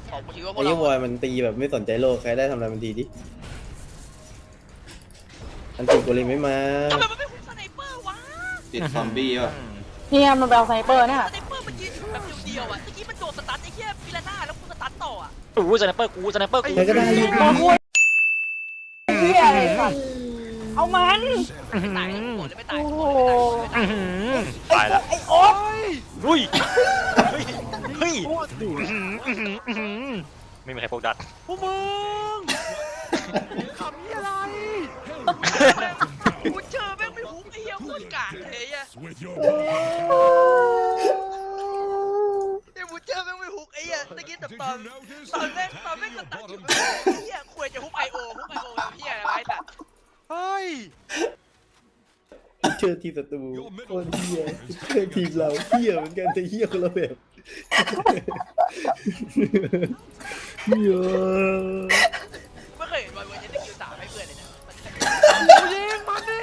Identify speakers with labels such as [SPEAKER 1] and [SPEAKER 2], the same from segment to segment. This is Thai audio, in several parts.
[SPEAKER 1] บอกกูคิดว่าพว
[SPEAKER 2] ไอ้
[SPEAKER 1] ก
[SPEAKER 2] ยี่
[SPEAKER 1] เรา
[SPEAKER 2] วอยมันตีแบบไม่สนใจโลกใครได้ทำอะไรมันดีดิอันตีกูเลยไม่มา
[SPEAKER 1] ทำไมมันไม่คุ้มสไนเปอร์วะ
[SPEAKER 3] ติดซอมบี้ป่ะ
[SPEAKER 4] เนี่ยมันไปเอาไซเปอร์เนี่ย
[SPEAKER 1] สไนเปอร์มันยืนอยู่แบบเดียวๆอ่ะเมื่อกี้มันโดนสตันไอ้เหี้ยฟิลาน่าแล้วกูสตันต่ออ่ะ
[SPEAKER 5] กูสไนเปอร์กูสไนเปอร์กู
[SPEAKER 2] ใครก็ได้ยิง
[SPEAKER 4] โอ้โหเฮียอะไรสัตว์เอามัน
[SPEAKER 1] ไม่ตายหมดเลยไม่ตาย
[SPEAKER 4] โอ้
[SPEAKER 1] หม
[SPEAKER 4] โห
[SPEAKER 1] ดเลยไม่ตาย
[SPEAKER 5] ตายละ
[SPEAKER 4] ไอ้โอ๊ต
[SPEAKER 5] เฮ้ยเฮ้ยไม่มีใครโฟกัส
[SPEAKER 6] พวกมึงขำยี่อะไร
[SPEAKER 1] กูเจอแม่งไม่ฮุกไอ้เหี้ยโคตรกากเลยอ่ะไอ้บูเจอแม่งไม่ฮุกไอ้เหี้ยตะกี้แต่ตอนแม่งสตันอยู่ไอ้เหี้ยควรจะฮุกไอโอแบบเหี้ยอะไรไอ้สัตว์
[SPEAKER 6] เฮ้ย
[SPEAKER 2] เจอทีมศัตรูโคตรเฮียเจอทีมเราเฮียเหมือนกันแต่เฮียคนละแบบเฮีย
[SPEAKER 1] ไม่เคยเห็นบอลเวอร์ชันสกิล3ให้เพื่อนเลยนะ
[SPEAKER 6] กูยิงมันดิ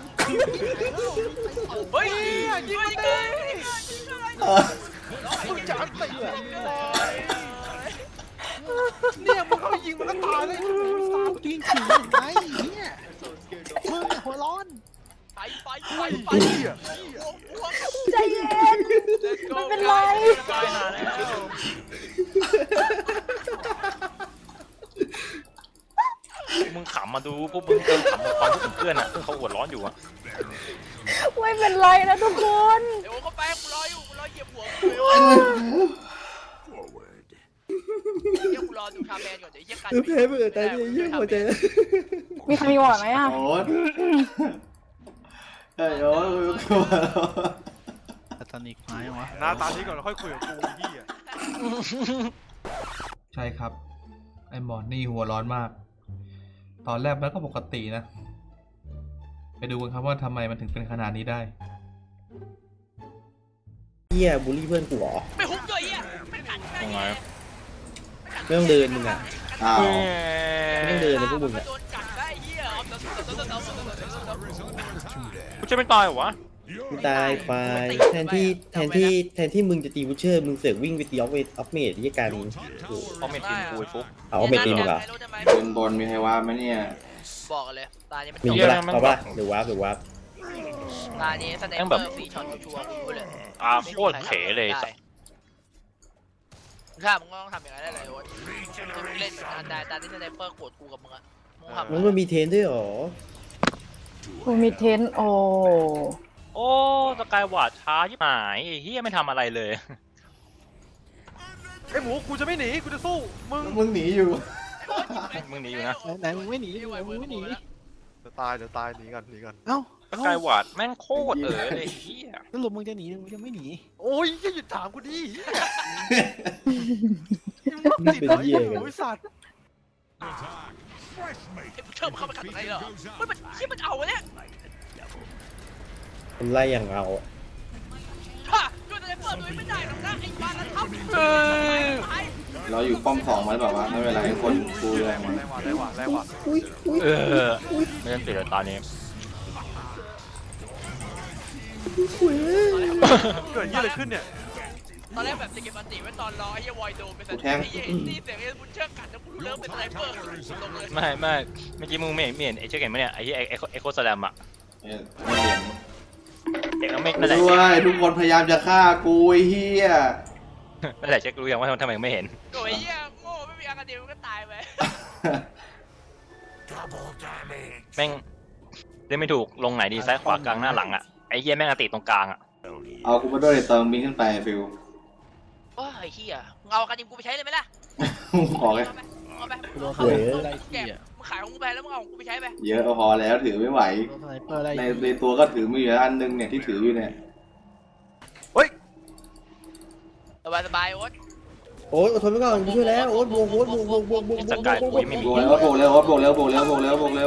[SPEAKER 1] เฮ้ย
[SPEAKER 6] ยิงมันดิมึงจะอันตีเนี่ยมึงเข้ายิงมันก็ตายเลยมึงฟาวยิงฉี่ยังไงเนี่ยมึงหัวร้อน
[SPEAKER 1] ไป
[SPEAKER 6] ไอ้เหี้ย
[SPEAKER 4] ใจเย็นไม่เป็นไร
[SPEAKER 5] ตายหาแล้วมึงขำมาดูพวกมึงเติมขำความรู้สึกเพื่อนอ่ะซึ่งเขาหัวร้อนอยู่อ่ะ
[SPEAKER 4] ไม่เป็นไรนะทุกคน
[SPEAKER 1] เดี๋ยวเขาไปกูรออยู่กูรอเหยียบหัวเดี๋ยวกูรอดูชาแมนก่อนเดี๋ยวเยี่ยกัน
[SPEAKER 2] แพ้เบื่อตายเลยเฮียหัวใจ
[SPEAKER 4] มีใครมีหวอดไหมอ่ะ
[SPEAKER 3] โอ๊ตเฮ้ยโอ๊ตกูกลัว
[SPEAKER 7] ตอนนี้ไม้วะ
[SPEAKER 6] หน้าตานี้ก่อนแล้วค่อยคุยกับกูเหี้ย
[SPEAKER 8] ใช่ครับ ไอ้หมอนี่หัวร้อนมาก ตอนแรกมันก็ปกตินะ ไปดูกันครับว่าทำไมมันถึงเป็นขนาดนี้ได้
[SPEAKER 2] เฮียบูลลี่เพื่อนกูเหรอ
[SPEAKER 1] ไม่ฮุกด้วยเยี่ยไม่กัด
[SPEAKER 5] ยังไง
[SPEAKER 2] ไม่ต้องเดินมึงอ่ะ
[SPEAKER 3] อ้าว
[SPEAKER 2] ไม่ต้องเดินเลยพวกมึงอ่ะ
[SPEAKER 1] โดนกัดได้เยี่ย
[SPEAKER 5] กูจะไม่ตายเหรอวะ
[SPEAKER 2] กูตายควายแทนที่มึงจะตีบูเชอร์มึงเสือกวิ่งไปตีออฟเมดที่การ
[SPEAKER 5] เขาไม่ทีมกูไอ้ฟุก
[SPEAKER 2] เอาออฟเมดตีมึงเหรอ
[SPEAKER 3] บนบนมีใครว่าไหมเนี่ย
[SPEAKER 1] บอกเลยตานี้มัน
[SPEAKER 2] มี
[SPEAKER 1] จบ
[SPEAKER 2] ปะล่ะเอาปะหรือวาร์ปหรือวาร์ป
[SPEAKER 1] ตานี้สไนเปอร์ฟรีช็อตชัวร์กูเลย
[SPEAKER 5] โคตรเขเลยสัส
[SPEAKER 1] ถ้ามึงก็ต้องทำอย่างนั้นได้เลยโอ๊ตเล่นเหมือนกันได้ตาที่สไนเปอร์โกรธกูกับมึงอะมึงทำ
[SPEAKER 2] มันมีเทรนด้วยเหรอ
[SPEAKER 4] กูมีเทนโอ
[SPEAKER 5] โอ้สกายวาดช้ายิ่งหายไอ้เฮียไม่ทำอะไรเลย
[SPEAKER 6] ไอ้หมูกูจะไม่หนีกูจะสู้มึง
[SPEAKER 3] มึงหนีอยู่
[SPEAKER 5] มึงหนีอยู่นะ
[SPEAKER 7] ไหนมึงไม่หนีมึงไม่หนี
[SPEAKER 6] เดี๋ยวตายหนีกัน
[SPEAKER 7] เอ้า
[SPEAKER 5] สกายวาดแม่งโคตรเลยเฮีย
[SPEAKER 7] สรุปมึงจะหนีหรือมึงจะไม่หนี
[SPEAKER 6] โอ้ยอย่าหยุดถามกูดิ
[SPEAKER 2] นี่เป็นเหี้ยกัน
[SPEAKER 6] โอ้ยสัตว์
[SPEAKER 1] เชื่อมเข้ามากัดอะไรเหรอมันที่มันเอาเนี่ย
[SPEAKER 2] มันไล่อย่างเอา
[SPEAKER 1] ฮ่าด้วยสไนเปอร์ด้วยไม่ได้หรอกนะไอ้บ้านนั้นทำ
[SPEAKER 3] เราอยู่ป้อมสองมันแบบว่าไม่เป็นไรคนกูแรงมัน
[SPEAKER 6] แรงว่ะ
[SPEAKER 5] เออไม่ต้องเสียตอนนี้
[SPEAKER 6] เกิดยี่อะไรขึ้นเนี่ย
[SPEAKER 1] ตอนแรกแบบจะเก็บอันติไว้ตอนรอไอ้เหี้ยวอยโดนไปแต่ไอ้เหี้ยนี่เสียงไอ้บุญเชิดกัดแล้วกูรู้เริ่มเป็นสไนเปอร์ลงเลย
[SPEAKER 5] ไม่เมื่อกี้มึงไม่เห็นไอ้เจ้าเก่งไหมเนี่ยไอ้ที่ไอ้โคสแลมอ่ะ
[SPEAKER 3] ไม่เห็น
[SPEAKER 5] เด็กไม่นั่นแหละ
[SPEAKER 3] ด้วยทุกคนพยายามจะฆ่ากูไอ้เหี้ย
[SPEAKER 5] นั่นแหละเช็ครู้ยังว่าทำไมไม่เห็น
[SPEAKER 1] โอ้ยเหี้ยโง่ไม่มีอากาเดียมันก็ตายไป
[SPEAKER 5] แม่งเล่นไม่ถูกลงไหนดีซ้ายขวากลางหน้าหลังอ่ะไอ้เหี้ยแม่งติดตรงกลางอ่ะ
[SPEAKER 3] เอากูมาด้วยเติมบินขึ้นไปฟิว
[SPEAKER 1] โอ้ยเหี้ยมึงเอาอากาเดียกูไปใช้เลยไหมล่ะ
[SPEAKER 3] ขอเลย
[SPEAKER 1] เอาไป
[SPEAKER 7] กูโดน
[SPEAKER 1] เอา
[SPEAKER 7] ส
[SPEAKER 1] ไป
[SPEAKER 7] ไนเปอร์ไล่ที่อ่ะ
[SPEAKER 1] มึงขายของกูไปแล้วมึงเอาของกูไปใช้ไป
[SPEAKER 3] เยอะพอแล้วถือไม่ไหว
[SPEAKER 7] โดนสไนเปอร์ไล่
[SPEAKER 3] ในตัวก็ถือมืออยู่อันนึงเนี่ยที่ถืออยู่เนี่ย
[SPEAKER 1] สบายโอ๊ต
[SPEAKER 2] โอ๊ตอดทนไว้ก่อนกูช่วยแล้วโอ๊ตบวกบวกบวกบวกบวกบวก
[SPEAKER 5] สกายกูไม่มี
[SPEAKER 3] โบกแล้วโบกเร็วโบกเร็วโบกเร็วโบกเร็วโบกเร็ว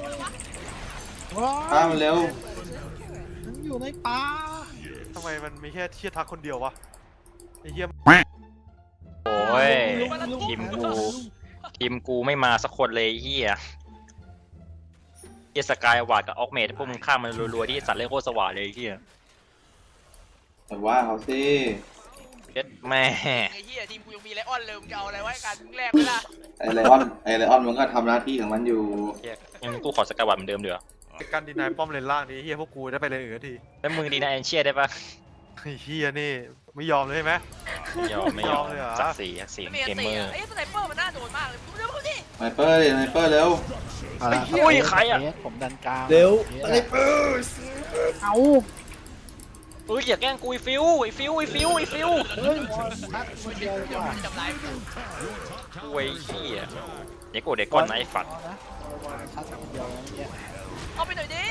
[SPEAKER 3] ฆ่ามันเร็ว
[SPEAKER 7] มันอยู่ในป่า
[SPEAKER 6] ทำไมมันมีแค่เชียทักคนเดียววะไอ้เหี้ย
[SPEAKER 5] โอ้ยทีมกูไม่มาสักคนเลยเฮียเฮียสกายวาดกับออกเมดพวกมึงข้ามมันรัวๆที่สัตว์เล่นโคตรสว่างเลยเฮีย
[SPEAKER 3] แต่ว่าเขาสิ
[SPEAKER 5] เย็ดแม่
[SPEAKER 1] ไอ้เหี้ยทีมกูยังมีไลออนเลยมึงจะเอาอะไรไว้กันมึงแลกไม่ได้
[SPEAKER 3] ไอไลออนมันก็ทำหน้าที่ของมันอยู่
[SPEAKER 5] เหี้ยยังกูขอสกายวัดเหมือนเดิมเดี๋ยว
[SPEAKER 6] การดีนายป้อมเลนล่างนี้เฮียพวกกูได้ไปเลนอื่นที
[SPEAKER 5] แล้วมึงดีนะแอนเชียได้ปะ
[SPEAKER 6] ไอ้เฮียนี่ไม่ยอมเลยใช่ไหม
[SPEAKER 5] ไม่ยอม
[SPEAKER 6] เลยเหรอ
[SPEAKER 5] ศักดิ์ศรี
[SPEAKER 1] ไม่มีอั
[SPEAKER 5] เก
[SPEAKER 1] น
[SPEAKER 5] ม
[SPEAKER 1] ตี
[SPEAKER 5] เมอ
[SPEAKER 1] อ่ะ
[SPEAKER 5] ร์
[SPEAKER 1] ไอ้สไนเปอร์มันน่าโดนมากเลยมึงเร็วดิ
[SPEAKER 3] ไนเปอร์ดิไนเปอร์เร็ว
[SPEAKER 7] เอาละ
[SPEAKER 5] อุ้ยใครอะ
[SPEAKER 7] ผมดันกลาง
[SPEAKER 2] เร็ว
[SPEAKER 7] เย
[SPEAKER 2] อะไรเปิด
[SPEAKER 4] เอา
[SPEAKER 5] เอ้ยอย่าแกล้งกูไอ้ฟิว
[SPEAKER 7] เฮ้ยมอนทักมาเดียวดีกว่า
[SPEAKER 1] จับไล่
[SPEAKER 5] กูไอ้เหี้ยเด็กโกเด็กก้อนนะไอ้ฝัด
[SPEAKER 7] นะทักมาเดียวนะเนี่ย
[SPEAKER 1] เอาไปหน่อยดิ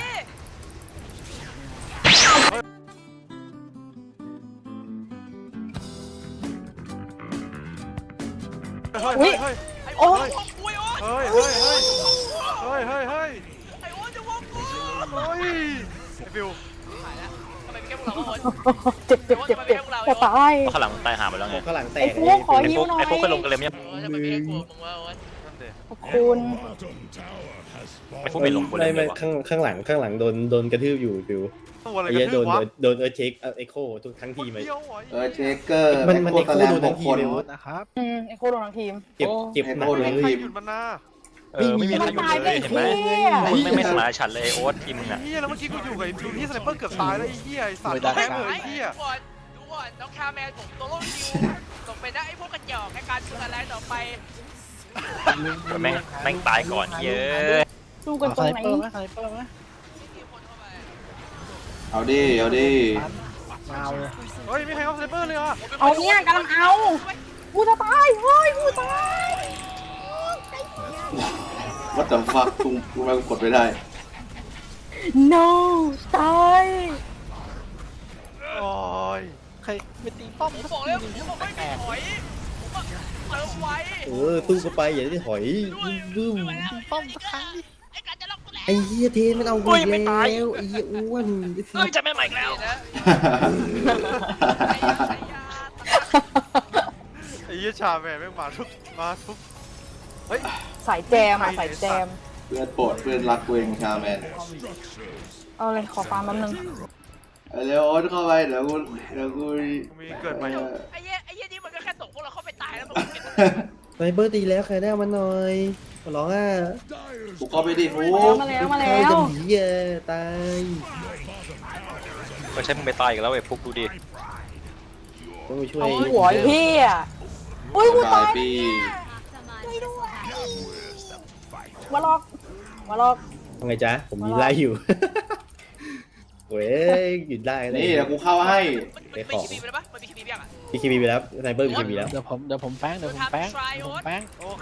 [SPEAKER 6] เฮ้ยเฮ้ย
[SPEAKER 1] ไอ้โอ้ยโอ้ย
[SPEAKER 6] เฮ้ยเฮ้ยเฮ้ยเฮ้ยเฮ้ยเฮ้ย
[SPEAKER 1] ไอ้โอ้ยจะวงกู
[SPEAKER 6] เฮ้ยไอ้ฟิว
[SPEAKER 1] หายแล้วทำไมไม่แก้พวกเราโอ้ย
[SPEAKER 4] เจ็บจะตาย
[SPEAKER 5] เพราะข้างหลังตายหาไปแล้วไง
[SPEAKER 2] ข้างหลังแต
[SPEAKER 4] ไอ้
[SPEAKER 2] ก
[SPEAKER 4] ฟูขอ
[SPEAKER 5] ไอ้
[SPEAKER 4] ยิ้
[SPEAKER 5] พ
[SPEAKER 4] ว
[SPEAKER 5] วก
[SPEAKER 4] หน่อย
[SPEAKER 5] ไอ้พวกเคยลงกันเลยมั้ย
[SPEAKER 1] ทำไมไม่แก้กลัวมึงวะโอ้ย
[SPEAKER 6] นั่นเด็
[SPEAKER 4] ขอบคุณ
[SPEAKER 5] ไอ้พวกไม่ลงกันเลย
[SPEAKER 2] ไม่
[SPEAKER 5] วะ
[SPEAKER 2] ข้างหลังโดนกระทืบอยู่ฟิว
[SPEAKER 6] ตัวอะไร
[SPEAKER 2] ไอ้
[SPEAKER 6] กัน
[SPEAKER 2] เหี้ยโด
[SPEAKER 6] ทืบ
[SPEAKER 2] น
[SPEAKER 6] วะ
[SPEAKER 2] โดนเช็คเอ็กโคทุกทั้งทีมเลย
[SPEAKER 6] เดียวเหรอ
[SPEAKER 3] เชคเกอร์
[SPEAKER 2] มัน
[SPEAKER 3] แอ
[SPEAKER 2] มัน
[SPEAKER 3] โค
[SPEAKER 2] เอ็ก
[SPEAKER 3] ต
[SPEAKER 2] โค
[SPEAKER 3] แลน
[SPEAKER 2] โด
[SPEAKER 3] ด์
[SPEAKER 2] นทั้งที
[SPEAKER 3] 6 คน
[SPEAKER 2] เลย
[SPEAKER 7] โค
[SPEAKER 2] วะ
[SPEAKER 7] ตรนะครับ
[SPEAKER 4] ไอ้โคโดนทั้งทีม
[SPEAKER 2] เจ็บหนัก
[SPEAKER 6] ไม่
[SPEAKER 2] เล
[SPEAKER 6] มีใคร
[SPEAKER 2] ย
[SPEAKER 6] หยุดมันนะ
[SPEAKER 5] ไม่มีใครอยู่เลยเห็นไหมมึงไม่สมานฉันเลยโอ๊ตทีมมึงอะ
[SPEAKER 6] เฮียแล้วเมื่อกี้กูอยู่กับไอ้ฟิวที่สไนเปอร์เกือบตายแล้วไอ้เฮียไอ้สัตว์
[SPEAKER 1] ดู
[SPEAKER 6] แม่งเลย
[SPEAKER 1] ก่อน
[SPEAKER 6] ไอ้เฮีย
[SPEAKER 1] ดูก่อนน้องคาแมนผมโตโล่คิวส่งไปนะไอ้พวกกระจอกในการดูอะไรต่อไป
[SPEAKER 5] แม่งตายก่อนเยอะ
[SPEAKER 4] สู้กัน
[SPEAKER 7] เอา
[SPEAKER 4] ตร
[SPEAKER 7] ไซ
[SPEAKER 4] งไหน
[SPEAKER 7] เปอร์ไหมไซเปอร์ไหม
[SPEAKER 3] เอาดิเอาดิ
[SPEAKER 7] มาเอาเลย
[SPEAKER 6] เฮ้ยไม่ใครเอาสไนเปอร์เลยเหรอ
[SPEAKER 4] เอาเนี่ยกำลังเอากูจะตายเฮ้ยกูตาย
[SPEAKER 3] วัดแต่ฟักกูไม่กดไม่ได้
[SPEAKER 4] no ตาย
[SPEAKER 6] โอ้ย
[SPEAKER 7] ใครไปตีป้อม
[SPEAKER 1] ผม
[SPEAKER 7] สัก
[SPEAKER 1] บอก
[SPEAKER 7] ที
[SPEAKER 1] แล้ว
[SPEAKER 7] หนึง
[SPEAKER 1] ผมไม่มีถอยผมว่าเติมไว้
[SPEAKER 2] สู้เข้าไปอย่าได้ถอยบึ้ม
[SPEAKER 7] ตีป้อมสักครั้งดิ
[SPEAKER 1] ไอ้การจะล็อกกูแล้ว
[SPEAKER 2] ไอ้เหี้ยเทนมันเอากูอีกแล้วไอ้เหี้ยอ้วน
[SPEAKER 5] เฮ้ยจะไม่ใหม่อีกแล้ว
[SPEAKER 1] นะ
[SPEAKER 6] ไอ้เฮียชาแม่งมาทุกเฮ้ย
[SPEAKER 4] สายแจมอ่ะสายแจม
[SPEAKER 3] เพื่อนโปรดเพื่อนรักกูเองชาแมน
[SPEAKER 4] เอาเลยขอฟาร์มแป๊บนึง
[SPEAKER 3] เอาเร็วโอ๊ตเข้าไปเดี๋ยวกู
[SPEAKER 6] มีเกิดใหม่
[SPEAKER 1] ไอ้เหี้ยนี่มันก็แค่ตกพวกเราเข้าไปตายแล้วมันเก็บ
[SPEAKER 2] ไซเบอร์ตีแล้วใครได้มันหน่อยขอร้องอ่ะ
[SPEAKER 3] กูเข้าไปดิฟู
[SPEAKER 4] มาแล้ว
[SPEAKER 2] ใครจะหนีอ่ะตาย
[SPEAKER 5] ก็ใช้มึงไปตายอีกแล้วไอ้พวกดูดิ
[SPEAKER 2] ต้องไปช่วย
[SPEAKER 4] เอาหัวพี่อ่ะอุ้ยกู
[SPEAKER 3] กา
[SPEAKER 4] ตาย ย
[SPEAKER 3] ปี
[SPEAKER 4] มาลอกมาลอก
[SPEAKER 2] ทำไงจ๊ะผมยิงไล่อยู่ เว้ยหยุดได้เลย
[SPEAKER 3] นี่เดี๋ยวกูเข้าให้
[SPEAKER 1] มันมีคีบีไปแล้วปะมันมีคีบียังอ่ะ
[SPEAKER 2] มีคีบีไปแล้วไซเบอร์มีคีบีแล้ว
[SPEAKER 7] เดี๋ยวผมแป้งเดี๋ยวผมแป้ง
[SPEAKER 6] โอเค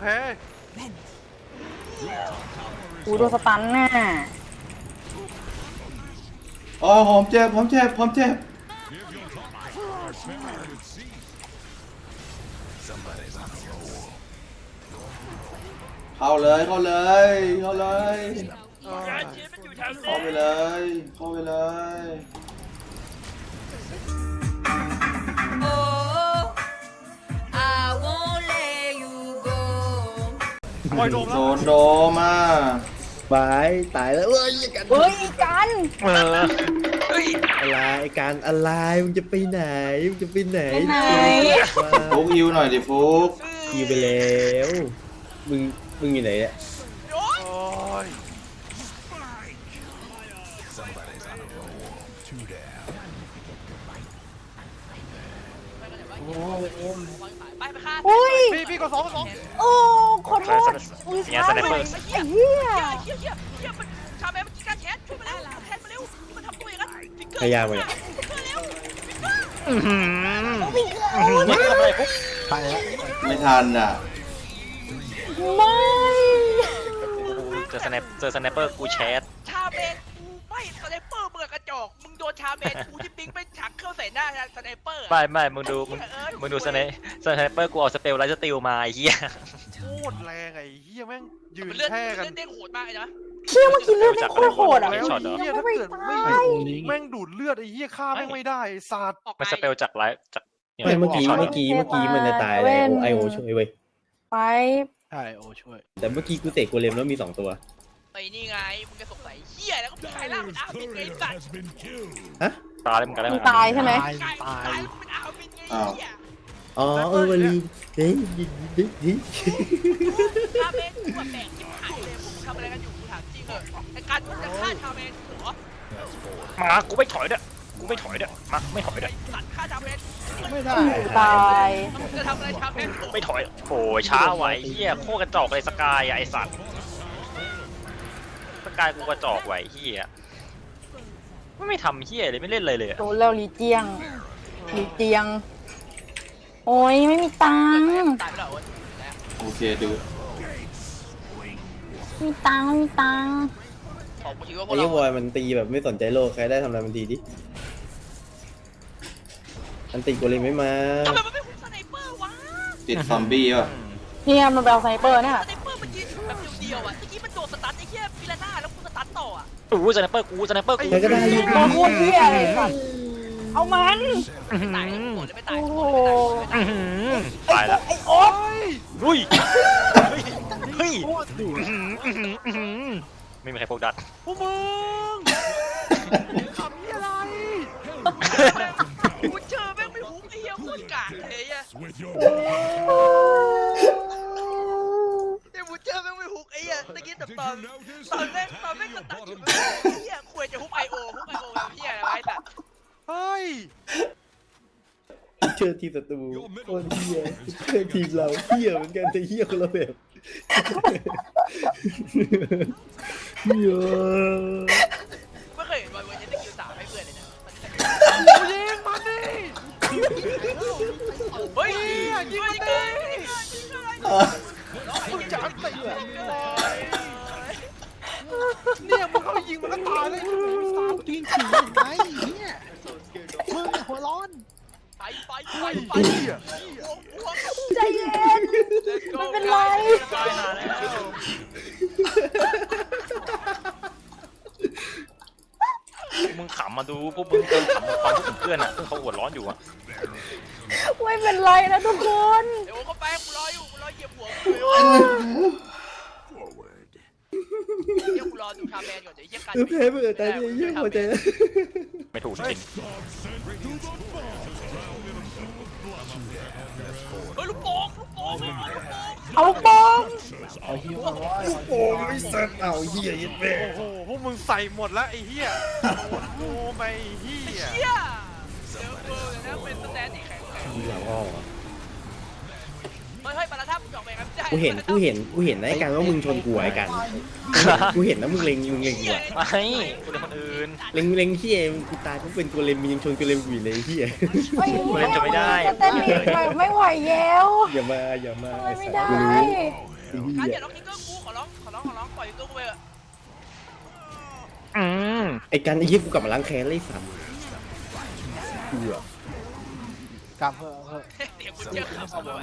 [SPEAKER 4] กูโดนสตันน่ะ
[SPEAKER 3] อ๋อผมเจ็บเข้าเลย
[SPEAKER 1] เชียร์มันอยู่แถว
[SPEAKER 3] เข้า
[SPEAKER 1] นี้
[SPEAKER 3] ไปเลยเข้าไปเลย
[SPEAKER 6] ปล่อยโดม
[SPEAKER 3] โด
[SPEAKER 6] แล้ว
[SPEAKER 3] นโดมา
[SPEAKER 2] บายตายแล้วเอ้ยกัน
[SPEAKER 4] เฮ้ยกัน
[SPEAKER 2] อะไรการอะไรมึงจะไปไหนมึงจะไปไหน
[SPEAKER 3] ฟุกฮิวหน่อยดิฟุก
[SPEAKER 2] คิวไปแล้วมึงอยู่ไหนเนี่ย
[SPEAKER 1] โอ้ย
[SPEAKER 6] โอ้ย
[SPEAKER 1] ไปฆ่า
[SPEAKER 4] อุ้ย
[SPEAKER 6] พี่ก็สอง
[SPEAKER 4] โอ้ขอโทษอุ้ย
[SPEAKER 5] เนี่ยสไนเปอร์
[SPEAKER 4] ไอ้เหี้ย
[SPEAKER 1] เฮียมันชาแมนมันการแชทช่วยมาแล้วแชทมาเร็วมันทำตัวอย่างนั้นฟิกเกอร์
[SPEAKER 2] พยายามไปเนี่ย
[SPEAKER 1] ฟิกเกอร์เร็ว
[SPEAKER 7] ไปแล้ว
[SPEAKER 3] ไม่ทันอ่ะ
[SPEAKER 4] ไม่
[SPEAKER 5] เจอสไนเปอร์กูแชท
[SPEAKER 1] ชาแมนกูไม่สไนเปอร์เบื่อกระจอกมึงโดนชาแมนกูที่ปิ๊งไปฉักเข้าใส่หน้าสไนเปอร์
[SPEAKER 5] ไม่มึงดูสไนเปอร์กูเอาสเปลไลท์สติลมาไอ้เหี้ย
[SPEAKER 6] โคตรแรงไอ้เฮียแม่งยืน
[SPEAKER 1] เลือด
[SPEAKER 6] แช่กัน
[SPEAKER 1] เด้งโหดมากเลยนะ
[SPEAKER 4] เชี่ยเมื่อกี้เลือดไม่โคตรโหดอ่ะ
[SPEAKER 6] แล้ว
[SPEAKER 5] ช็อตเหรอ
[SPEAKER 6] เฮีย
[SPEAKER 4] ยัง
[SPEAKER 6] ถ้า
[SPEAKER 4] ไม่
[SPEAKER 6] เกิด
[SPEAKER 4] ตา
[SPEAKER 6] ไม่
[SPEAKER 7] ไอโอลิง
[SPEAKER 6] แม่งดูดเลือดไอ้เฮียฆ่าแม่งไม่ได้ไอ้สัตว์
[SPEAKER 1] ออกไป
[SPEAKER 5] มันสเปลจากไลท์จาก
[SPEAKER 2] ไม่เมื่อกี้มันจะตายเลยไอโอช่วยเว้ย
[SPEAKER 4] ไป
[SPEAKER 7] ใช่โอช่วย
[SPEAKER 2] แต่เมื่อกี้กูเตะโกเลมแล้วมี2ตัว
[SPEAKER 1] ไอ้นี่ไงมึงจะสงสัยเฮียแล้วก็ใครล่าเป็นอาวินไงสัตว์
[SPEAKER 5] ตายเลยมึงกันได้
[SPEAKER 4] มึงตายใช่ไหม
[SPEAKER 1] ใครตายเป็นอาวินไงเฮีย
[SPEAKER 2] อ๋อมันลืมเฮ้ย
[SPEAKER 1] ชาเมนกูแบบแบกชิบหายเลยพวกมึงทำอะไรกันอยู่กูถามจริงเหรอไอ้การมึงจะฆ่าชาเมนเหรอ
[SPEAKER 5] มากูไม่ถอยเด้อกูไม่ถอยเด้อมาไม่ถอยเด้อ
[SPEAKER 1] ไอ้สัตว์ฆ่าชาเมน
[SPEAKER 6] ไม่ได้
[SPEAKER 4] ตาย
[SPEAKER 1] มึงจะทำอะไรชาเมน
[SPEAKER 5] ไม่ถอยโอ้ยช้าไหวเฮียโคตรกระจอกเลยสกายอะไอสัตว์สกายกูกระจอกไหวเฮียไม่ทำเฮียเลยไม่เล่นเลยเลยอะ
[SPEAKER 4] โดนแล้วลีเจียงลีเจียง โอ้ยไม่มีตังค์
[SPEAKER 1] ตายไปแล้ว
[SPEAKER 3] โอเคดู
[SPEAKER 4] มีตังค์มีตังค์
[SPEAKER 1] ของกูคิดว่าพว
[SPEAKER 2] ไอ้
[SPEAKER 1] ก
[SPEAKER 2] ยี่
[SPEAKER 1] เรา
[SPEAKER 2] บอยมันตีแบบไม่สนใจโลกใครได้ทำอะไรมันทีดิอันตีกูเลยไม่มา
[SPEAKER 1] ทำไมมันไม่คุ้มสไนเปอร์วะ
[SPEAKER 3] ติดซอมบี้ป่ะ
[SPEAKER 4] เนี่ยมันไปเอาสไนเปอร์เนี่ย
[SPEAKER 1] สไนเปอร์มันยืนแบบเดียวๆอ่ะเมื่อกี้มันโดนสตันไอ้เหี้ยฟิลาน่าแล้วกูสตันต่ออ่ะ
[SPEAKER 5] อู้สไนเปอร์กูสไนเปอร์กู
[SPEAKER 2] ใครก็ได้ยิง
[SPEAKER 4] มาพูดเที่ยอะไรสัตว์เอามัน
[SPEAKER 1] ตายหมดเลยไม่ตาย
[SPEAKER 4] โอ้
[SPEAKER 1] ห
[SPEAKER 4] โห
[SPEAKER 1] มดเลยไม่ตาย
[SPEAKER 5] ตายแล้ว
[SPEAKER 4] ไอ้โอ๊ต
[SPEAKER 5] เฮ้ยเฮ้ย
[SPEAKER 6] โคตรดุ
[SPEAKER 5] ไม่มีใครพกดัด
[SPEAKER 6] พวกมึงขำนี่อะไร
[SPEAKER 1] กูเจอแม่งไม่ฮุกไอ้เหี้ยโคตรกากเลยอ่ะเดี๋ยวกูเจอแม่งไม่ฮุกไอ้เหี้ยตะกี้แต่ตอนแม่งสตันอยู่ไอ้เหี้ยควรจะฮุกไอโอแบบเหี้ยอะไรวะไอ้สัตว์
[SPEAKER 6] เฮ้ย
[SPEAKER 2] เจอทีมศัตรูโคตรเฮียเจอทีมเราเฮียเหมือนกันแต่เฮียคนละแบบเฮีย
[SPEAKER 1] ไม่เคยเห็นบอลเวอร์ชันสกิล3ให้เพื่อนเลยนะมันจะ
[SPEAKER 6] กูยิงมันดิ
[SPEAKER 1] เฮ้ยยิงมันเลย
[SPEAKER 6] มึงจะอันตีเลยเนี่ยมึงเข้ายิงมันก็ตายเลยมึงสามตีนฉี่ยังไงเนี่ยมึงหัวร้อน
[SPEAKER 1] ไป
[SPEAKER 4] ใจเย็น ไม่เป็นไร
[SPEAKER 1] ตายหาแล้ว
[SPEAKER 5] มึงขำมาดูพวกมึงเติมขำตอนพวกเพื่อนอ่ะเขาหัวร้อนอยู่อ่ะ
[SPEAKER 4] ไม่เป็นไรนะทุกคน
[SPEAKER 1] เดี๋ยวก็ไปกูรออยู่กูรอเหยียบหัวเดี๋ยวกูรอดูชาแมนก่อนเดี๋ยวเยี่ยกัน
[SPEAKER 2] แพ้เบื่อตายเลยเฮียหัวใจ
[SPEAKER 5] ไม่ถูกจริง
[SPEAKER 1] เฮ้ยลูกโป่ง
[SPEAKER 4] เอาลูกโป่ง
[SPEAKER 2] โอ้ยสัตว์เอาเฮียยัดแม่
[SPEAKER 6] โอ้โหพวกมึงใส่หมดแล้วไอ้เหี้ยโอ้ไม่เหี้ย
[SPEAKER 1] เฮียเดี๋ยวกูเดี๋ยวนะเป็นสแตนที่แข็ง
[SPEAKER 2] ทีหลังอ้อม
[SPEAKER 1] เฮ้ยปาราทับมึงออกไปครับไม่ได้
[SPEAKER 2] กูเห็นนะไอ้การว่ามึงชนกูไอ้กันกูเห็นนะมึงเล็งกูอะ
[SPEAKER 5] ไม่กูเป็นคนอื่น
[SPEAKER 2] เล็งเฮียมึงกูตายกูเป็นกูเลมมึงยังชนกูเลมกูอยู่เลยเฮีย
[SPEAKER 5] กูเล่นจะไม่ได้
[SPEAKER 4] จะเต้นอีกไปไม่ไหวแล้ว
[SPEAKER 2] อย่ามา
[SPEAKER 4] ไม่
[SPEAKER 2] ไอ้สัต
[SPEAKER 4] ได้
[SPEAKER 2] ว์กูรู้ไอ้
[SPEAKER 1] การ
[SPEAKER 2] เฮี
[SPEAKER 1] อย ย่าล็อกทิกเกอร์กูขอร้องปล่อยทิกเกอร์กูไปเถอะ
[SPEAKER 2] ไอ้การไอ้เฮียกูกลับมาล้างแค้นเลยสัตว์กูอะ
[SPEAKER 6] กลับเถอะ
[SPEAKER 1] เดี๋ยวกูเจอขับเอาไป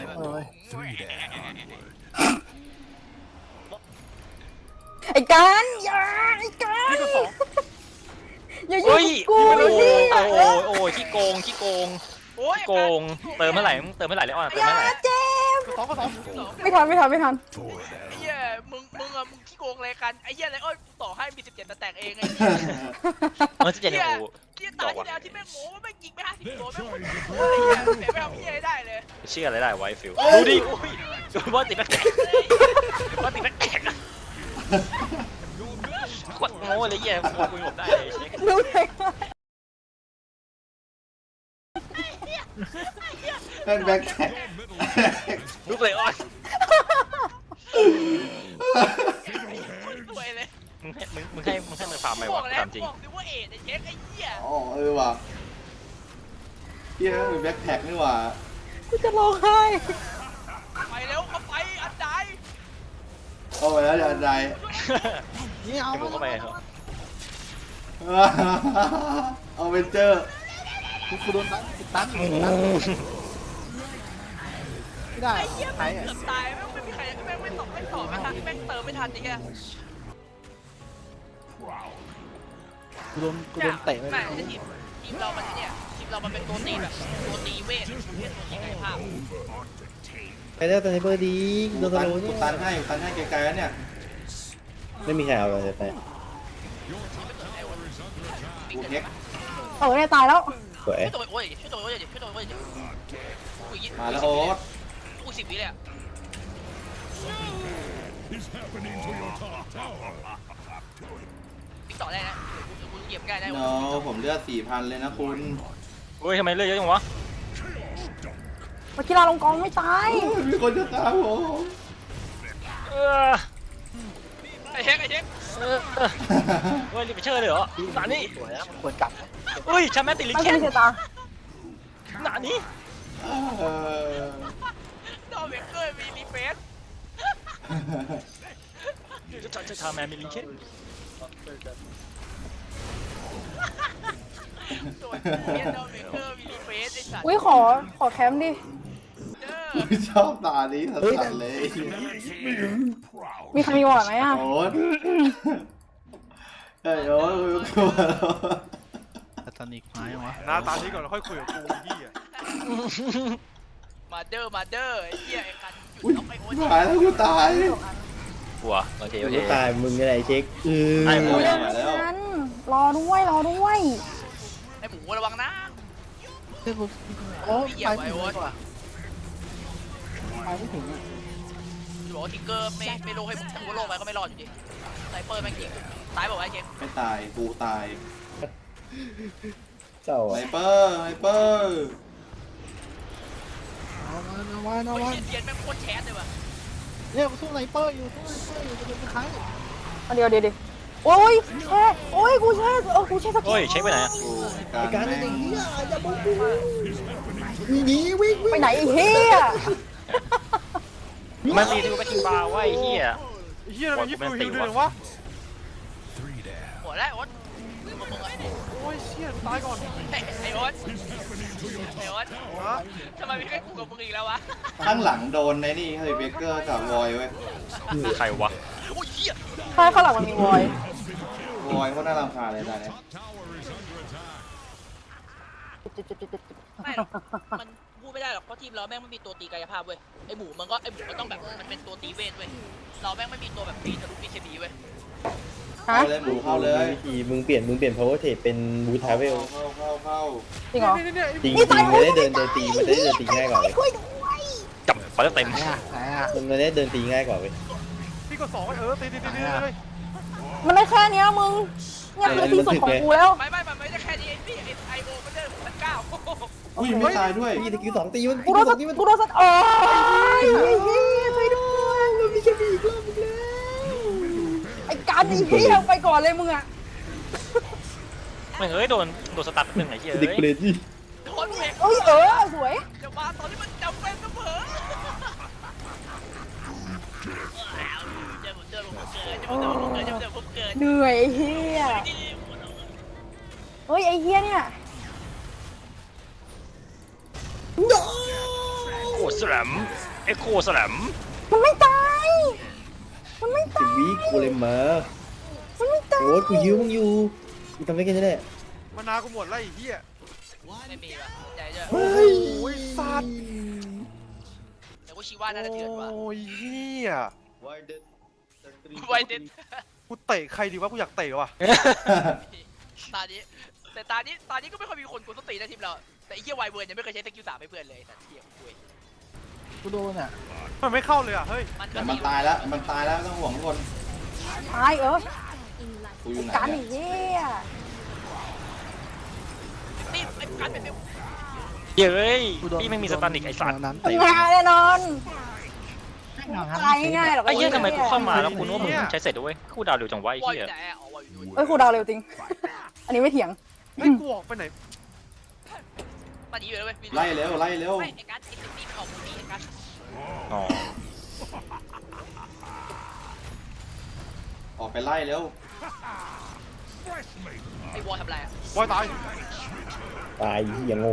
[SPEAKER 4] ไอ้การอย่าไอ้การอย่ายุ่
[SPEAKER 5] เฮ้
[SPEAKER 4] ง
[SPEAKER 5] ย
[SPEAKER 4] กู
[SPEAKER 5] โอ้
[SPEAKER 4] สิ
[SPEAKER 5] โอ้ขี้โกง
[SPEAKER 1] โอ้ย
[SPEAKER 5] โกงเติมเมื่อไหร่เลยอ่อนเติม
[SPEAKER 4] อย่า
[SPEAKER 5] เมื่อไหร่
[SPEAKER 4] เจ็บ
[SPEAKER 6] สองก็สอง
[SPEAKER 4] ไม่ทัน
[SPEAKER 1] ไอ้เหี้ยมึงขี้โกงอะไรกันไอ้เหี้ยอะไรเอ้ยต่อให้มี17แต่แตกเองไอ้เหี้ย
[SPEAKER 5] มันจะเจ็บกู
[SPEAKER 1] ที่ตาที่แล้วที่แม่งโม้ว่าแม่งยิงไม่50ตัวแม่งโอ้ยเสียไปทำเหี้ยได้เลย
[SPEAKER 5] เชื่ออะไรได้ไว้ฟิลดูดิดูบอลติดแบ็คแตกบอลติดแบ็คแตกขวดโง่เลยเหี้ยกูหลบได้เลยเช็ค
[SPEAKER 4] รู้เลย
[SPEAKER 3] นั่นแบ็คแท็ก
[SPEAKER 5] ลุกเลยอ้อน
[SPEAKER 1] สวยเลย
[SPEAKER 5] มึงให้มันฟาร์มไหม
[SPEAKER 1] บอ
[SPEAKER 5] วะ
[SPEAKER 1] กแล้ว
[SPEAKER 5] ถามจริง
[SPEAKER 1] บอกดิว่าเอ็ดไอ้เช็คไอ้เหี้ย
[SPEAKER 3] อ๋อว่ะเฮียเป็นแบ็คแท็กนี่ว่ะ
[SPEAKER 4] กูจะร้องไห้
[SPEAKER 1] ไปเร็วเข้าไปอันใด
[SPEAKER 3] เอาไปแล้วอันใด
[SPEAKER 6] นี่เอา
[SPEAKER 5] ให้มึงเข้าไปเหรอ
[SPEAKER 3] เอาเป็นเจอร์
[SPEAKER 6] กูโดนตันไม่ได้
[SPEAKER 1] ไอ้เหี้ย
[SPEAKER 6] ไหน
[SPEAKER 1] แม่งเกือบตายแม่งไม่มีใครแม่งไม่ตอบไม่ทันแม่งเติมไม่ทันไอ้เหี้ย
[SPEAKER 6] กูโดนเตะไป
[SPEAKER 1] ไม่ทีมเรามันเนี่ยทีมเรามันเป็นตัวตีแบบตัวตีเวทประเภทตัวตีกายภาพ
[SPEAKER 2] ไปแล้วแต่ไซเบอร์ดีโดน
[SPEAKER 3] ตั
[SPEAKER 2] ตะ
[SPEAKER 3] น
[SPEAKER 2] โล
[SPEAKER 3] กู
[SPEAKER 2] เนี่ย
[SPEAKER 3] ตันให้ไกลๆแล้วเนี่ย
[SPEAKER 2] ไม่มีใครเอาเลยไป
[SPEAKER 3] กูเน็ก
[SPEAKER 4] เนี่ยตายแล้ว
[SPEAKER 2] สวย
[SPEAKER 1] ช่วยตัวโอ้ยช่วยตัวโอ้ยดิช่วยตัวโอ้ยดิอุ้ย
[SPEAKER 3] มาแล้วโอ๊ต
[SPEAKER 1] อุ้ย10 วิเลยอะติ๊กต่อได้นะกูเหยียบได้ได้
[SPEAKER 3] โนผมเลือด 4,000 เลยนะคุณ
[SPEAKER 5] เฮ้ยทำไมเลือดเยอะจังวะ
[SPEAKER 4] เมื่อกี้เราลงกองไม่ตาย
[SPEAKER 3] มีคนจะตามผม
[SPEAKER 5] เออ
[SPEAKER 1] ไอ้เช็คไอ้เช็ค
[SPEAKER 5] เฮ้ยรีบไปเชิญเลยเหรอหนานี่
[SPEAKER 7] สวยนะมันควรกลับนะ
[SPEAKER 5] เฮ้ยแชมป์แมตติลิ
[SPEAKER 4] ไม่
[SPEAKER 5] เคน
[SPEAKER 4] ใช่ตา
[SPEAKER 5] หนานี่
[SPEAKER 1] ดอมเบเกอร์มีรีเฟส
[SPEAKER 5] จะทำแมนมิลิเคน
[SPEAKER 1] ตัวเนี้ยดอมเบเกอร์มีรีเฟสไอ้สัตว์
[SPEAKER 4] อุ้ยขอแคมป์ดิ
[SPEAKER 3] ชอบตานี้สัสๆเลย
[SPEAKER 4] มีใครมีวอร์ดไหมอ่ะ
[SPEAKER 3] โอ๊ตเฮ้ยโอ๊ตกลัวแล้ว
[SPEAKER 6] แต่ตอนนี้ไม้วะ
[SPEAKER 9] หน้าตานี้ก่อนแล้วค่อยคุยกับกูพี่อ่ะ
[SPEAKER 1] มาเดอร์ไอ้เหี้ยไอ้กันหยุ
[SPEAKER 3] อุ้ย
[SPEAKER 1] ดเอาไปโอ้ย
[SPEAKER 3] ตายแล้วกูตาย
[SPEAKER 5] หัวโอเคโอเค
[SPEAKER 2] กูตายมึงอะไรเช็ค
[SPEAKER 5] ไอ้
[SPEAKER 4] กู
[SPEAKER 5] โอ้ย
[SPEAKER 4] เล่นนั้นรอด้วย
[SPEAKER 1] ไอ้หมูระวังนะ
[SPEAKER 6] เฮ้ยกูโอ้ย
[SPEAKER 1] พี่เหยียบ
[SPEAKER 6] ไป
[SPEAKER 1] ไว้
[SPEAKER 6] ไม่
[SPEAKER 1] โอ๊
[SPEAKER 6] ถึ
[SPEAKER 1] ต
[SPEAKER 6] งว่ะไปไม่ถึงอ่ะ
[SPEAKER 1] จะบอกว่าทิกเกอร์ไม่โลให้มึงทั้งโลกไปก็ไม่รอดอยู่ดีไซเปอร์แม่งยิงตายบอกว่าไอ้เช็ค
[SPEAKER 3] ไม่ตายกูตาย
[SPEAKER 2] เจ้า
[SPEAKER 3] ไฮ
[SPEAKER 2] อะ
[SPEAKER 3] เปอร์ไฮเปอร์
[SPEAKER 6] เอามา
[SPEAKER 1] โอ้ยเทียนแม่งโคตรแชทเลยว่ะ
[SPEAKER 6] เนี่ยกูสู้ไนเปอร์อยู่จะเป็นใคร
[SPEAKER 4] เดี๋ยวโอ้ยแช่โอ้ยกูแช่กูแช่สกิ
[SPEAKER 5] เฮ้
[SPEAKER 4] ล
[SPEAKER 5] ยเช็คไปไหนอะ
[SPEAKER 3] กูการแม่ง
[SPEAKER 4] ไปไหนไอ้เหี้ย
[SPEAKER 5] มันตีที่กูไปกินบาร์ว่าไอ้เหี้ย
[SPEAKER 9] ไอ้เฮียทำไมยิบฟิวฮิวด้วยวะ
[SPEAKER 1] หัวแล้วโอ๊ตมึงไอ้นี่
[SPEAKER 9] โอ้ยเชี่ยตายก่อน
[SPEAKER 1] ไอ้โอ๊ต
[SPEAKER 9] ฮะ
[SPEAKER 1] ทำไมไม่ให้กูกับมึงอีกแล้ววะ
[SPEAKER 3] ข้างหลังโดนในนี่เฮ้ยเบเกอร์กับวอยเว้ย
[SPEAKER 5] ใครวะ
[SPEAKER 1] โอ้ยเหี้ย
[SPEAKER 4] ใช่ข้างหลังมันมีวอยว
[SPEAKER 3] อยเขาน่ารำคาญเลยตอนนี้
[SPEAKER 1] ไม่หรอกมันพูดไม่ได้หรอกเพราะทีมเราแม่งไม่มีตัวตีกายภาพเว้ยไอ้หมูมันต้องแบบมันเป็นตัวตีเวทเว้ยเราแม่งไม่มีตัวแบบตีทะลุ BKB เว้ย
[SPEAKER 4] ฮะ
[SPEAKER 3] เข้าเลยหมูเข้าเลย
[SPEAKER 2] วิธีมึงเปลี่ยน power trade เป็นบูทาเวล
[SPEAKER 3] เข้า
[SPEAKER 4] จริงเหรอ
[SPEAKER 9] เนี่ย
[SPEAKER 2] จริงมันได้เดินตีมันได้เดินตีง่ายกว่าเว้ย
[SPEAKER 5] จับไปแล้วเต็ม
[SPEAKER 6] ไหนอ่ะไหนอ่ะ
[SPEAKER 2] มันได้เดินตีง่ายกว่าเว้ย
[SPEAKER 9] พี่ก็2ตีเลย
[SPEAKER 4] มันได้แค่เนี้ยมึงเนี่ยคือที่สุดของกูแล้ว
[SPEAKER 1] ไม่มันไม่ได้แค่นี้ไอ้พี่ไอโอมันเดินมันก้าว
[SPEAKER 3] อุ้ยไม่ตายด้วย
[SPEAKER 2] พี่ตะกี้สองตีมัน
[SPEAKER 4] กูโดนสัตว์กูโดนสัตว์โอ้ยช่วยด้วยมันมีแค่มีอีกรอบนึงแล้วไอ้การไอ้เหี้ยไปก่อนเลยมึงอ่ะ
[SPEAKER 5] ไม่เฮ้ยโดนสตัดหนึ่งไอ้เหี้ย
[SPEAKER 2] เด็ก
[SPEAKER 5] เอ้ย
[SPEAKER 2] เปรตยี่
[SPEAKER 1] โดนเบรก
[SPEAKER 4] เอ้ยสวย
[SPEAKER 1] จะมาตอนที่มันจำเป็นเสมอเจอผมเกิด
[SPEAKER 4] เหนื่อยไอ้เหี้ยเฮ้ยไอ้เหี้ยเนี่ย
[SPEAKER 5] โคสลัมเอ็กโคสลัม
[SPEAKER 4] มันไม่ตาย
[SPEAKER 2] สิบวิกูเลยมา
[SPEAKER 4] มันไม่ตาย
[SPEAKER 2] โอ้ยกูยิ้วมึงอยู่กูทำได้แค่นี้แหละ
[SPEAKER 9] มานากูหมดแล้วไอ้เฮีย
[SPEAKER 1] ไม่มีว่ะใจเจ้า
[SPEAKER 2] เฮ้ย
[SPEAKER 9] โอ้ยสัตว์
[SPEAKER 1] แต่ว่าชีว่าน่าจะเถื่อนว่ะ
[SPEAKER 9] โอ้ยเฮีย
[SPEAKER 1] ไวเด็ด
[SPEAKER 9] กูเตะใครดีวะกูอยากเตะว่ะ
[SPEAKER 1] ตานี้ก็ไม่ค่อยมีคนกดสติในทีมเราแต่ไอ้เหี้ยไวเบิร์นยังไม่เคยใช้สกิล3ให้เพื่อนเลยแต่เทียมคุย
[SPEAKER 6] กูโดนอ่ะ
[SPEAKER 9] มันไม่เข้าเลยอ่ะเฮ้ย
[SPEAKER 3] แต่มันตายแล้วไม่ต้องห่วงทุกคน
[SPEAKER 4] ตาย
[SPEAKER 3] กูอยู่ไหน
[SPEAKER 4] การ
[SPEAKER 3] เนี่
[SPEAKER 4] ไอ้
[SPEAKER 3] ย
[SPEAKER 4] เหี้ย
[SPEAKER 1] นี่ไอ้การเป็นเบล
[SPEAKER 5] เย้ยพี่ไม่มีสตันอีกไอ้สัตว์
[SPEAKER 6] นั้น
[SPEAKER 4] ทำงานแน่นอนตายง่ายหรอก
[SPEAKER 5] ไอ้เหี้ยทำไมกูเข้ามาแล้วกูนึกว่ามึงใช้เสร็จด้วยกูดาวเร็วจังวะไอ้
[SPEAKER 1] วอย
[SPEAKER 5] เหี้ย
[SPEAKER 1] แต่อ๋อวอยอยู่
[SPEAKER 4] เอ้ยครูดาวเร็วจริง อันนี้ไม่เถียง
[SPEAKER 9] เฮ้ยกูออกไปไหน
[SPEAKER 1] ตอนนี้อยู่แล้วเว้ย
[SPEAKER 3] ไล่เร็ว
[SPEAKER 1] ไม่ไอ้การไอ้สิ่งนี้มันออกมือนี้ไอ้การ
[SPEAKER 5] อ๋อ
[SPEAKER 3] ออกไปไล่เร็ว
[SPEAKER 1] ไอ้วอลทำไรอ่ะ
[SPEAKER 9] บอยตาย
[SPEAKER 2] ตายเหี้ยโง่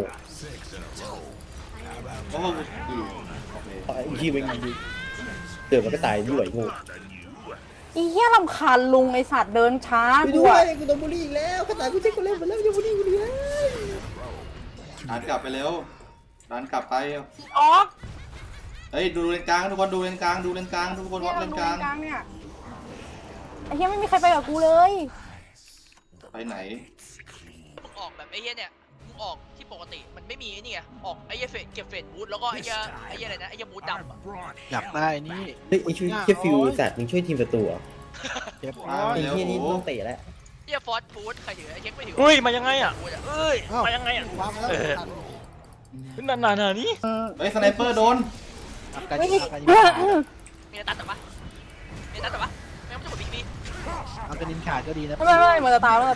[SPEAKER 3] โอ้โหโอเค
[SPEAKER 2] ตายยี่เป็นไงดิเดี๋ยวมันก็ตายด้วยโง่
[SPEAKER 4] อีเหี้ยรำคาญลุงไอสัตว์เดินช้า
[SPEAKER 2] ไป
[SPEAKER 4] กู
[SPEAKER 2] ด้วย
[SPEAKER 4] อะ
[SPEAKER 2] กูโดนบูลลี่อีกแล้วขนาดกูเช็คกูเล่นหมดแล้วยังบูลลี่กูอีกแล้ว
[SPEAKER 3] ดันกลับไปเร็วดันกลับไป
[SPEAKER 4] ออก
[SPEAKER 3] เฮ้ยดูเลนกลางทุกคนดูเลนกลางทุกคนวัดเลนกลาง
[SPEAKER 4] เนี่ยไอ้เหี้ยไม่มีใครไปกับกูเลย
[SPEAKER 3] ไปไหน
[SPEAKER 1] มึงออกแบบไอ้เหี้ยเนี่ยมึงออกที่ปกติมันไม่มีไอ้นี่ไงออกไอ้เหี้ยเฟดเก็บเฟดบูทแล้วก็ไอ้เหี้ยอะไรนะไอ้เหี้ยบูทดำอะ
[SPEAKER 6] อยากได้นี่
[SPEAKER 2] เฮ้ยไอ้ช่วยแค่ฟิวสัตว์มึงช่วยทีมศัตรูเหรอ
[SPEAKER 6] เก็บ
[SPEAKER 3] มา
[SPEAKER 2] ไอ้
[SPEAKER 3] เร็ว
[SPEAKER 2] เหี้ยนี่
[SPEAKER 3] โอ้
[SPEAKER 2] ต้องเตะแล้ว
[SPEAKER 1] เหี้ยฟอสบูทใครถือไอ้เช็คไม่ถือ
[SPEAKER 5] เฮ้ยมายังไงอ่ะ
[SPEAKER 1] บูทอะ
[SPEAKER 5] เอ้ยมายังไงอ่ะ
[SPEAKER 6] วางแล้ว
[SPEAKER 5] นานๆนี่
[SPEAKER 3] เฮ้ยสไนเปอร์โดน
[SPEAKER 6] อาการ
[SPEAKER 4] เฮ้ย
[SPEAKER 6] ยิงอาการยิง
[SPEAKER 1] มีอะไรตัดแต่ปะมีอะไรตัดแต่ปะแม่งไม่จะหมดบิ๊กบี
[SPEAKER 6] อาการยิงขาดก็ดีนะ
[SPEAKER 4] ไม่มันจะตายแล้ว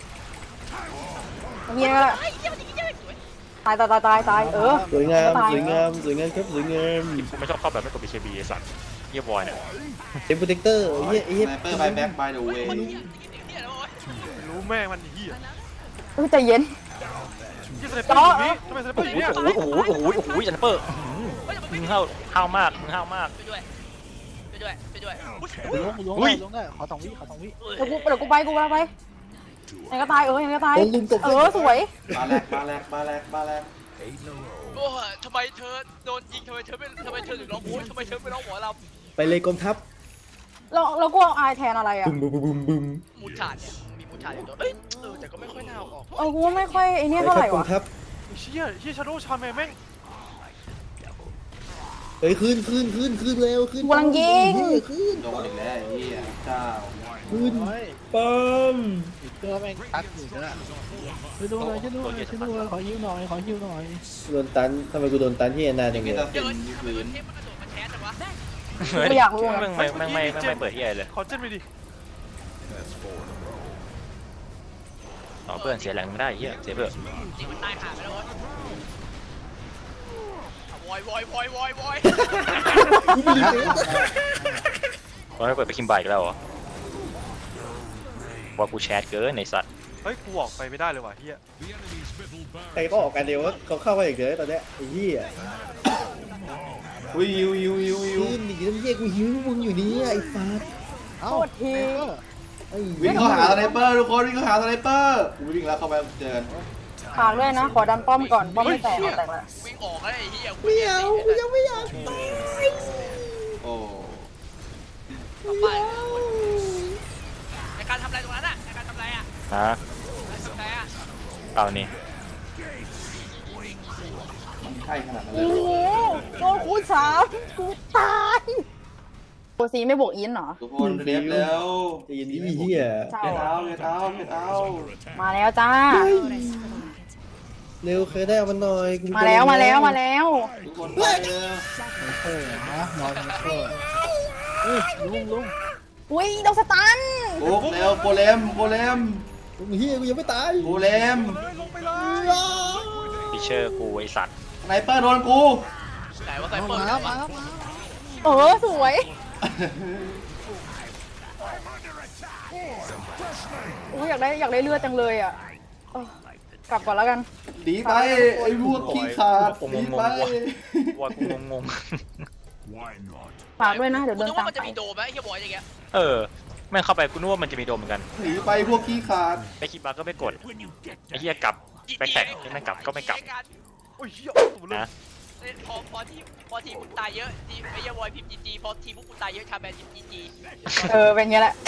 [SPEAKER 4] เฮียก็
[SPEAKER 1] ไอ้เหี้ยมันยิงสวย
[SPEAKER 4] ตายเออ
[SPEAKER 2] สวยงาม
[SPEAKER 4] ตาย
[SPEAKER 2] สวยงามสวยงามครับสวยงาม
[SPEAKER 5] กูไม่ชอบเข้าแบบไม่กด BKB ไอ้สัตว์เยี่ยบอยเนี่ย
[SPEAKER 2] เป็นโปรเทคเตอร์ไอ้เหี้ยไอ้
[SPEAKER 3] ส
[SPEAKER 2] เหี้ย
[SPEAKER 3] ไนเปอร์บายแบ็กบายเดอะเว
[SPEAKER 1] คน
[SPEAKER 3] ย์
[SPEAKER 1] เหี้ยเหี้ยแล้วโว้ย
[SPEAKER 9] รู้แม่งมันเหี้ย
[SPEAKER 4] ใจเย็น
[SPEAKER 9] ยี่สไนเปอร์อยู่นี่ทำไมสไนเปอร์อยู่เนี่ย
[SPEAKER 5] โอ้ยจันเปอร์มึงห้าวมาก
[SPEAKER 1] ไปด้วย
[SPEAKER 6] ลงได้ขอ2 วิ
[SPEAKER 4] เดี๋ยวกูไปยังก็ตายยังก็ตาย
[SPEAKER 2] โดนลุมตบ
[SPEAKER 4] สวย
[SPEAKER 3] บาแลกบาแลกบาแลกบาแลก
[SPEAKER 1] โอ้ยทำไมเธอโดนยิงทำไมเธอถึงร้องโอ้ยทำไมเธอไม่ร้องหมอล
[SPEAKER 2] ไปเลยกองทัพ
[SPEAKER 4] แล้วกูเอาอายแทนอะไรอ่ะ
[SPEAKER 2] บึมบึมบึมบึม
[SPEAKER 1] ำมูดฉาดเนี่ยมีมูดฉาดอยู่ตัวเอ้ยแต่ก็ไม่ค่อยน่าเอาออก
[SPEAKER 4] กูไม่ค่อยไอ้นี่
[SPEAKER 2] ไป
[SPEAKER 4] เท่า
[SPEAKER 2] ค
[SPEAKER 4] ไห
[SPEAKER 2] รับ
[SPEAKER 4] ร่
[SPEAKER 2] กอง
[SPEAKER 4] วะ
[SPEAKER 2] ทัพ
[SPEAKER 9] เชี่ยชาโดว์ชาแมนแม่ง
[SPEAKER 2] เฮ้ยขึ้นเร็วขึ้น
[SPEAKER 4] กูกำลังยิง
[SPEAKER 2] ขึ้น
[SPEAKER 3] โดนอีกแล้วไอ้เหี้ยเจ้า
[SPEAKER 2] ขึ้น
[SPEAKER 6] เฮ้ย
[SPEAKER 2] ปั๊ม
[SPEAKER 6] อีกตัวแม่งตัดอยู่นะช่วยดูหน่อยขอยิ้วหน่อย
[SPEAKER 2] โดนตันทำไมกูโดนตันที่แอนนาจัง
[SPEAKER 3] มี
[SPEAKER 2] เลย
[SPEAKER 3] แต่
[SPEAKER 1] เดี๋ยว
[SPEAKER 3] สิ่งที่พื้น
[SPEAKER 1] เทปมันกระโดดมาแชร์แต่ว่า
[SPEAKER 4] กูอยากรู้
[SPEAKER 5] ไม่เปิดที่อะไรเลย
[SPEAKER 9] ขอเจนไปดิ
[SPEAKER 5] ต่อเพื่อนเสียแรงไม่ได้เฮียเสียเพื่อ
[SPEAKER 1] จริงมันตายขาดไปแล้ววอยวอย
[SPEAKER 5] เพราะไม่เปิดไปคิมบายอีกแล้วเหรอว่ากูแชทเกินในสัตว์
[SPEAKER 9] เฮ้ยกูออกไปไม่ได้เลยว่ะเฮีย
[SPEAKER 2] ใครก็ออกกันเดียวว่าเขาเข้ามาอย่างเดียวตอนเนี้ยไอ้เหี้ย
[SPEAKER 3] อุ้ยยิว
[SPEAKER 2] ขึ้นดิน้ำเหี้ยกูหิวมึงอยู่นี่ไอ้ฟ้า
[SPEAKER 6] เอ้า
[SPEAKER 2] ไอ้
[SPEAKER 3] วิ่งเข้าหาสไนเปอร์ทุกคนวิ่งเข้าหาสไนเปอร์กูวิ่งแล้วเข้าไปเจอกัน
[SPEAKER 4] ฝากด้วยนะขอดันป้อมก่อนป้อมไม่แตกแล้ว
[SPEAKER 1] วิ่งออกแล้วไอ้เหี้ย
[SPEAKER 2] ไม่เอากูยังไม่อยากตาย
[SPEAKER 3] โอ้
[SPEAKER 1] ในการทำอะไรตรงนั้นอ่ะในการทำอะไรอ่ะ
[SPEAKER 5] ฮะ
[SPEAKER 1] ทำอะไรอ่ะ
[SPEAKER 5] เอานี่
[SPEAKER 3] มันใช่ขนาดนั้นเล
[SPEAKER 4] โอ้
[SPEAKER 3] ย
[SPEAKER 4] โหโดนคูณ3กูตายโอซีไม่บวกอินเหรอ
[SPEAKER 3] ทุกคนเรียบแล้ว
[SPEAKER 2] ใจเย็นดิเหี้ย
[SPEAKER 4] เจ้า
[SPEAKER 3] เท้าเท้า
[SPEAKER 4] มาแล้วจ้า
[SPEAKER 2] เร็วเคยได้เอามันหน่อยกู
[SPEAKER 4] มาแล้ว
[SPEAKER 3] ทุกคนไปเลย
[SPEAKER 6] เออนะนอนเออลุง
[SPEAKER 4] อุ้ยโดนสตัน
[SPEAKER 3] โอ้เร็วโกเลม
[SPEAKER 2] เหี้ยกูยังไม่ตาย
[SPEAKER 3] โกเลม
[SPEAKER 5] พิเชอร์กูไอสัตว์
[SPEAKER 3] สไนเปอร์โดนกู
[SPEAKER 1] ไหนว่าไซ
[SPEAKER 6] มา
[SPEAKER 1] เปอร์
[SPEAKER 6] แล้ว
[SPEAKER 1] มา
[SPEAKER 4] สวยอุ้ยอยากได้เลือดจังเลยอ่ะกลับก่อนแล้วกัน
[SPEAKER 3] ดีไปไอ้พวกขี้ขาดดีไป
[SPEAKER 5] ว่ากูงง
[SPEAKER 4] ฝากด้วยนะเดี๋ยว
[SPEAKER 1] กู
[SPEAKER 4] เดิ
[SPEAKER 1] นึ
[SPEAKER 4] น
[SPEAKER 1] ก
[SPEAKER 4] ตา
[SPEAKER 1] ว่าม มัน
[SPEAKER 4] ไป
[SPEAKER 1] จะมีโดมไหมไอ้เหี้ยบอยอย่างเงี้ย
[SPEAKER 5] แม่งเข้าไปกูนึกว่ามันจะมีโดมเหมือนกัน
[SPEAKER 3] หนีไปพวกขี้ขาด
[SPEAKER 5] ไปคิดบาร์ก็ไม่กดไอ้เหี้ยกลับไปแข่งที่นั่นกลับก็ไม่กลับ
[SPEAKER 9] โอ้ยเฮียตัวเลย
[SPEAKER 5] นะ
[SPEAKER 1] พอทีมมึงตายเยอะทีมไอ้เหี้ยบอยพิมพ์จีพอทีมพวกกูตายเยอะชาแมนพิมพ์จี
[SPEAKER 4] เป็นไงแหละ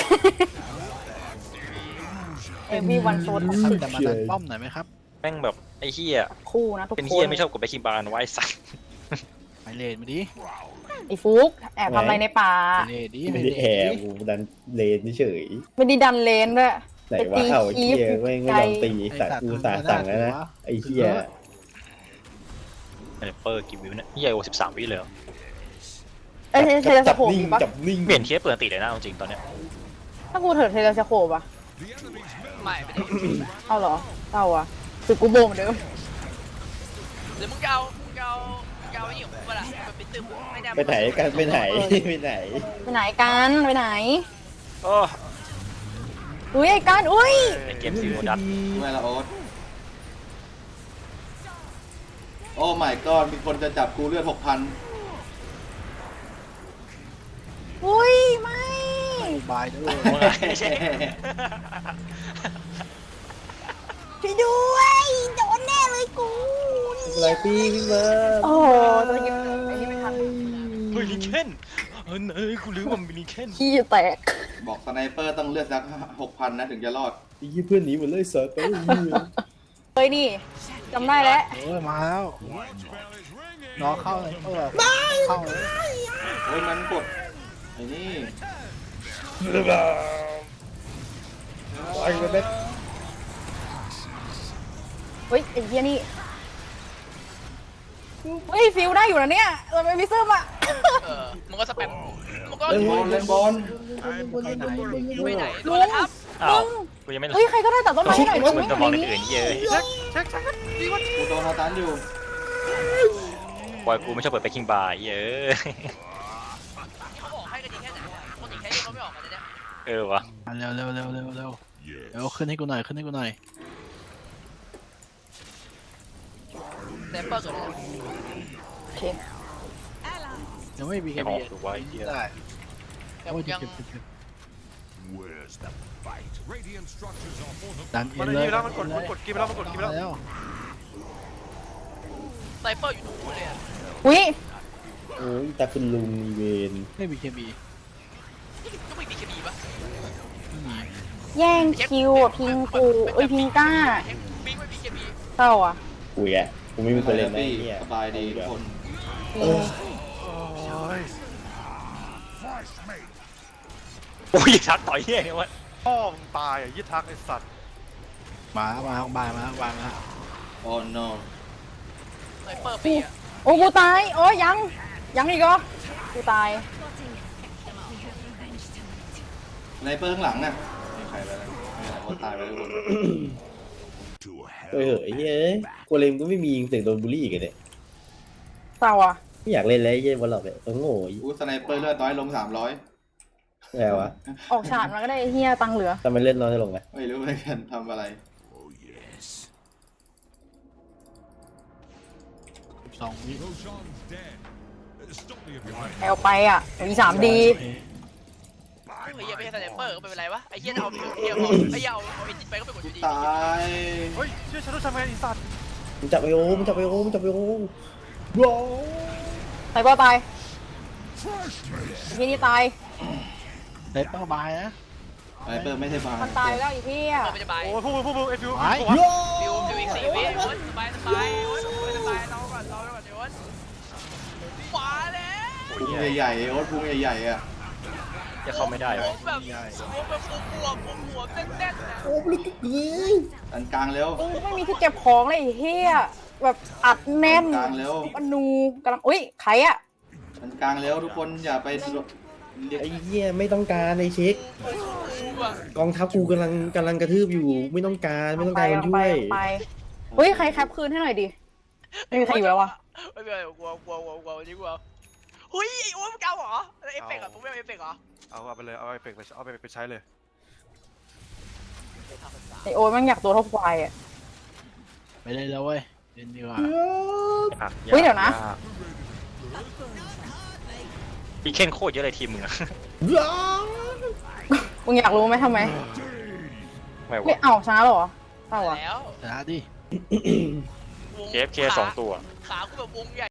[SPEAKER 4] everyone so
[SPEAKER 6] แต่มาดันป้อมหน่อยไหมครับ
[SPEAKER 5] แม่งแบบไอ้เหี้ย
[SPEAKER 4] คู่นะทุกคน
[SPEAKER 5] เป็นเหี้ยไม่ชอบกดไปคิมบาร์นะไอ้สัตว์
[SPEAKER 6] ไปเลนมาดิ
[SPEAKER 4] ไอ้ฟุกแอบทำอะไรในป่า
[SPEAKER 6] ไปเลนดิ
[SPEAKER 2] ไม่ได้แอบกูดันเลนเฉย
[SPEAKER 4] ไม่ได้ดันเลนด้วย
[SPEAKER 2] ไหนว่าเอาไอ้เหี้ยไม่ยอมตีสัตว์กูสั่งแล้วนะไอ้เหี้ย
[SPEAKER 5] เปอร์กี่วิวเนี่ยเหี้ยโอ13 วิเลยเหรอ
[SPEAKER 4] เอ้ยเทเลส
[SPEAKER 2] จับ
[SPEAKER 4] โคป
[SPEAKER 2] นิ่ง
[SPEAKER 4] มีปะ
[SPEAKER 2] จับนิ่ง
[SPEAKER 5] เปลี่ยนเทียบเปลืองติดเลยนะจริงตอนเนี้ย
[SPEAKER 4] ถ้ากูเถิดเทเลสโคปอะ
[SPEAKER 1] ไม่ได้
[SPEAKER 4] เอาเหรอเอาอะคือกูโบเหมือนเดิม
[SPEAKER 1] หรือมึงจะเอาไอ้นี่ของกูป่ะล่ะเป็นตึมไม่ได้
[SPEAKER 2] ไปไหนกันไปไหน
[SPEAKER 4] ไปไหนกันไปไหน
[SPEAKER 5] โอ้
[SPEAKER 4] อุ้ยไอ้กันอุ้ย
[SPEAKER 5] ไอเกมซีโร่ดัต
[SPEAKER 3] เวลาโอ๊ตโอ้ my god มีคนจะจับกูเลือด 6,000
[SPEAKER 4] อุ้ยไม่
[SPEAKER 6] บายด้วย
[SPEAKER 4] ช่วยด้วยโดนแน่เลยกู
[SPEAKER 2] อะไรพี่ขึ้นมา
[SPEAKER 4] โอ้จะกินไอ้นี่ไม่ทัน
[SPEAKER 5] เฮ้ยลิเคนเอ้ยกูลืมว่ามันมีลิเคน
[SPEAKER 4] ขี้แตก
[SPEAKER 3] บอกสไนเปอร์ต้องเลือดสัก 6,000 นะถึงจะรอด
[SPEAKER 2] ไอ้เหี้ยเพื่อนหนีหมดเลยสัตว์ไป
[SPEAKER 4] เลยนี่จำได้แล้ว
[SPEAKER 6] มาแล้วน้องเข้าเลยเข้าเลย
[SPEAKER 3] โอ้ยมันกดไอ้นี่
[SPEAKER 2] ไอ้เบ็ด
[SPEAKER 4] เฮ้ยไอ้เหี้ยนี่เฮ้ยฟิลได้อยู่นะเนี่ยเราไม่มีซึมอ่ะ
[SPEAKER 1] มึงก็สแปมมึงก็
[SPEAKER 3] เล่นบอลเล่นบอล
[SPEAKER 1] ไปไหนโดนแล้วครับ
[SPEAKER 5] อ้าวกูยังไม่รู้
[SPEAKER 4] เฮ้ยใครก็ได้ตัดต้นไม้หน่อย
[SPEAKER 5] กูจะมองในอื่นเยอะ
[SPEAKER 9] เช็คดีวะ
[SPEAKER 3] กูโดนฮาตันอยู่
[SPEAKER 5] บอยกูไม่ชอบเปิดไปคิงบาร์เยอะ
[SPEAKER 1] เขาออกให้กันดีแค่ไหนคนอีกแค่นี้เขาไม่ออกกันเลยเนี่ย
[SPEAKER 5] วะ
[SPEAKER 6] เร็วขึ้นให้กูหน่อย
[SPEAKER 1] แซมเปอร์เกิดอะไร
[SPEAKER 4] โอเค
[SPEAKER 6] ยังไม่มี
[SPEAKER 5] ไอ้
[SPEAKER 6] แค่
[SPEAKER 5] หอ
[SPEAKER 6] นี้
[SPEAKER 5] มดูไว้เยอะ
[SPEAKER 6] ได้
[SPEAKER 1] แต่ผมยัง
[SPEAKER 6] ดัน
[SPEAKER 9] มัน
[SPEAKER 6] เล
[SPEAKER 9] นี่
[SPEAKER 6] ย
[SPEAKER 9] ไปแล้วมันกดกินไปแล้วมันกดกินไปแล้ว
[SPEAKER 1] ไซเปอร์อยู่นู่นเลยอะ
[SPEAKER 4] อุ้ย
[SPEAKER 2] โอ้ยแต่คุณลุงมีเวน
[SPEAKER 6] ไม่มีแค่มี
[SPEAKER 1] ก็ไม่มีเคมีปะ
[SPEAKER 6] ไม่มี
[SPEAKER 4] แย่งคิวอ่ะพิงกูเอ้ยพิงก้า
[SPEAKER 1] มิงไม่มีเคมี
[SPEAKER 4] เศร้าอ่ะ
[SPEAKER 2] กูแกกูไม่มีคนเล่นนะ
[SPEAKER 3] พี่
[SPEAKER 2] ไอ้เนี่ย
[SPEAKER 3] สบายดีทุกคน
[SPEAKER 2] เออ
[SPEAKER 5] โอ้ยชักต่อยเหี้ยเนี่ยวะ
[SPEAKER 9] พ่อมึงตายอ่ะยี่ทักไอ้สัตว์
[SPEAKER 6] มา
[SPEAKER 3] โอ้ no
[SPEAKER 1] ไซเปอร์ปีอะ
[SPEAKER 4] โอ้กูตายโอ้ยยังอีกเหรอกูตาย
[SPEAKER 3] ในเปอร์ข้างหลังน่ะไม่ใครไปแล้วไม่ใครเขาตายไปแล้วทุกคน
[SPEAKER 2] เฮ้ยเฮ้ยกูเลมก็ไม่มีเสียงโดนบูลลี่กันเนี่ย
[SPEAKER 4] เศร้าอ่ะ
[SPEAKER 2] ไม่อยากเล่นแล้วไอ้เหี้ยบอลหลอกเนี่ยตัวโง่
[SPEAKER 3] อู้สไนเปอร์เลือดน้อยลง300
[SPEAKER 2] แล้ววะ
[SPEAKER 4] ออกฉาดมาก็ได้ไอ้เฮียตังค์เหลือ
[SPEAKER 2] ทำไมเล่นน้อยลงไง
[SPEAKER 3] ไม่รู้เหมือนกันทำอะไร
[SPEAKER 6] 2 วิ
[SPEAKER 4] แอลไปอ่ะมี3D
[SPEAKER 1] ไอ้เหี้ยไม่ใช่ไซเปอร์ก็ไม่เป็นไรวะไอ้เหี้ยเอาไอ้เหี้ยเอาเอ็นจิไปก็ไปกดอยู่ดี
[SPEAKER 3] ตาย
[SPEAKER 9] เฮ้ยเชี่ยชาโดว์ชาแมนไอ้สัตว์
[SPEAKER 2] มึงจับไอโอมึงจับไอโอมึงจับไอโอโว้
[SPEAKER 4] ไซเบอร์ตายไอ้เฮียนี่ตาย
[SPEAKER 6] ไดเปอร์บายนะ
[SPEAKER 3] สไนเปอร์ไม่ใช่บา
[SPEAKER 4] มันตายแล้วไอ้เฮีย
[SPEAKER 1] ไม่จะไป
[SPEAKER 9] โอ้ยพวกมึงไอ้ฟิว
[SPEAKER 1] ฟิวอีก4 วิโอ๊ยสบายเราก่อนเดี๋ยวขวาแล้ว
[SPEAKER 3] พุงใหญ่ๆโอ๊ตพุงใหญ่ๆอ่ะ
[SPEAKER 5] จะเข้าไม่ได้
[SPEAKER 1] ผ
[SPEAKER 5] วะ
[SPEAKER 1] มแบบหัวแน่นๆนะ
[SPEAKER 2] โอ้ลึกเกิน
[SPEAKER 3] อันกลางเร็ว
[SPEAKER 4] มึงไม่มีที่เก็บของเลยไอ้เฮียแบบอัดแน่น
[SPEAKER 3] กลางเร็ว
[SPEAKER 4] มนูกำลังอุ้ยใครอ่ะ
[SPEAKER 3] อันกลางเร็วทุกคนอย่าไปเรียก
[SPEAKER 2] ไอ้เหี้ยไม่ต้องการไอ้เช็ค กองทัพกูกำลังกระทืบอยู่ไม่ต้องการคนช่วย
[SPEAKER 4] ไปเฮ้ยใครแคปคืนให้หน่อยดิไม่มีใครอยู่แล้ววะ
[SPEAKER 1] ไม่เป็นไรกลัวนี่กลัวเฮ้ยไอ้โอ๊ตมึงเก่าเหรอเอฟเฟกต์อ่ะผมไม่เอาเอฟเฟกต์เหรอ
[SPEAKER 9] เอาไปเลยเอาไปใช้เลย
[SPEAKER 4] ไอโอ๊ตมันอยากตัวเท่าควายอ่ะ
[SPEAKER 6] ไปเลยแล้วเว้ยเล่นดีกว่า
[SPEAKER 4] เฮ้ยเดี๋ยวนะ
[SPEAKER 5] อีเคนโคตรเยอะเลยทีมมึงอะ
[SPEAKER 4] มึงอยากรู้ไหมทำไม
[SPEAKER 5] ไม่
[SPEAKER 4] ไม่
[SPEAKER 5] วะ
[SPEAKER 4] เอาชนะหรอเปล่าอ่ะ
[SPEAKER 1] แล้ว
[SPEAKER 6] ชนะดิ
[SPEAKER 5] KFK 2 ตัว
[SPEAKER 1] ขากูแบบวงใหญ่